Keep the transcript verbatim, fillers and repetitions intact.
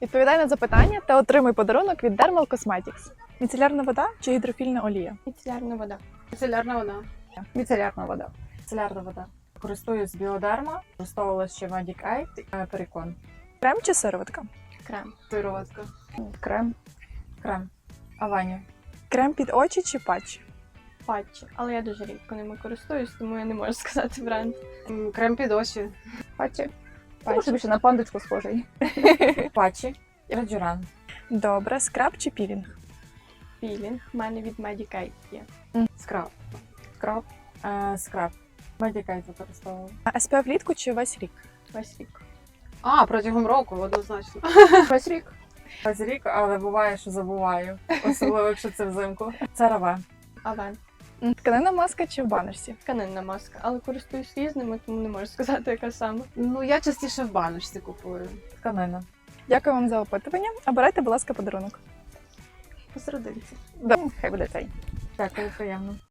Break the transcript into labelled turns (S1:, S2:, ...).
S1: Відповідай на запитання та отримуй подарунок від Dermal Cosmetics. Міцелярна вода чи гідрофільна олія?
S2: Міцелярна вода.
S3: Міцелярна вода.
S4: Міцелярна вода.
S3: Міцелярна вода. Користуюсь біодерма, використовувала ще Magic Eye, перекон.
S1: Крем чи сироватка?
S2: Крем.
S3: Сироватка.
S4: Крем.
S3: Крем. Авані.
S1: Крем під очі чи патчі?
S2: Патчі. Але я дуже рідко ними користуюсь, тому я не можу сказати бренд.
S3: М, Крем під очі.
S4: Патчі. Тому що більше на пандочку схожий.
S3: Патчі. Раджуран.
S1: Добре, скраб чи пілінг?
S2: Пілінг. У мене від Magic Eye є.
S3: Скраб.
S4: Скраб.
S3: Е, Скраб. Magic Eye використовувала.
S1: ес пі еф влітку чи весь рік?
S2: Весь рік.
S3: А, протягом року, однозначно.
S4: Весь рік.
S3: Весь рік, але буває, що забуваю. Особливо, якщо це взимку. Це раве.
S2: Авен.
S1: Тканина маска чи в баночці?
S2: Тканинна маска. Але користуюсь різними, тому не можу сказати, яка саме.
S3: Ну, я частіше в баночці купую. Тканина.
S1: Дякую вам за опитування. Обирайте, будь ласка, подарунок.
S2: Посерединці.
S1: Да, хай буде цей.
S3: Дякую, приємно.